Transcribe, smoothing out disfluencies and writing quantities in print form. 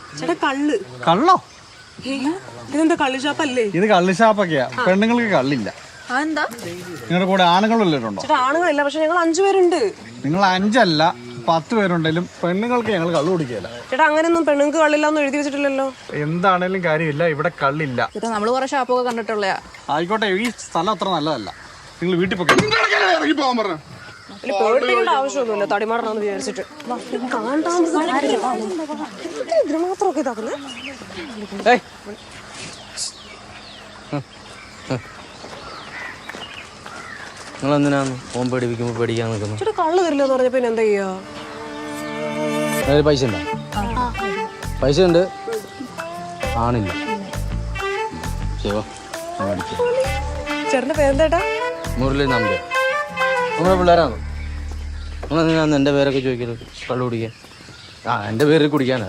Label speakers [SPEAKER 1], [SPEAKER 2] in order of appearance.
[SPEAKER 1] ചേട്ടാ കള്ള്.
[SPEAKER 2] കള്ളോ?
[SPEAKER 1] ഇതെന്താ കള്ള് ഷാപ്പല്ലേ?
[SPEAKER 2] ഇത് കള്ള് ഷാപ്പൊക്കെയാ. പെണ്ണുങ്ങൾക്ക് കള്ളില്ല.
[SPEAKER 1] അതെന്താ?
[SPEAKER 2] നിങ്ങളുടെ കൂടെ ആണുങ്ങളുണ്ടോ?
[SPEAKER 1] ചേട്ടാ ആണുങ്ങളില്ല, പക്ഷെ ഞങ്ങൾ 5 പേരുണ്ട്.
[SPEAKER 2] നിങ്ങൾ 5 അല്ല 10 പേരുണ്ടെങ്കിലും പെണ്ണുങ്ങൾക്ക് ഞങ്ങൾ കള്ളു കുടിക്കില്ല.
[SPEAKER 1] ചേട്ടാ അങ്ങനെയൊന്നും പെണ്ണുങ്ങൾക്ക് കള്ളില്ലാന്ന് എഴുതി വെച്ചിട്ടില്ലല്ലോ.
[SPEAKER 2] എന്താണേലും കാര്യമില്ല, ഇവിടെ കള്ളില്ല.
[SPEAKER 1] ചേട്ടാ നമ്മള് കുറെ ഷാപ്പൊക്കെ കണ്ടിട്ടുള്ളയാ.
[SPEAKER 2] ആയിക്കോട്ടെ, ഈ സ്ഥലം അത്ര നല്ലതല്ല. നിങ്ങൾ വീട്ടിൽ പോയി
[SPEAKER 1] പേടിക്കേണ്ട ആവശ്യമൊന്നുമില്ല, തടിമാറണമെന്ന് വിചാരിച്ചിട്ട്. ഇതിന് മാത്രമൊക്കെ ഇതാക്കുന്നത്.
[SPEAKER 3] നിങ്ങളെന്തിനാന്ന് ഓൻ പേടിപ്പിക്കുമ്പോൾ പേടിക്കാൻ നിൽക്കുന്നു?
[SPEAKER 1] ചേട്ടാ കള്ള് തരില്ല എന്ന് പറഞ്ഞപ്പോ എന്താ ചെയ്യാ?
[SPEAKER 3] പൈസ ഉണ്ടോ? പൈസ ഉണ്ട്, ആണില്ല.
[SPEAKER 1] ചേട്ടന്റെ പേരെന്താ?
[SPEAKER 3] മുരളി നമ്പർ. നമ്മുടെ പിള്ളേരാണോ? നിങ്ങളെന്തിനാന്ന് എൻ്റെ പേരൊക്കെ ചോദിക്കരുത്? കള്ളു കുടിക്കാൻ. എൻ്റെ പേര് കുടിക്കാനാ.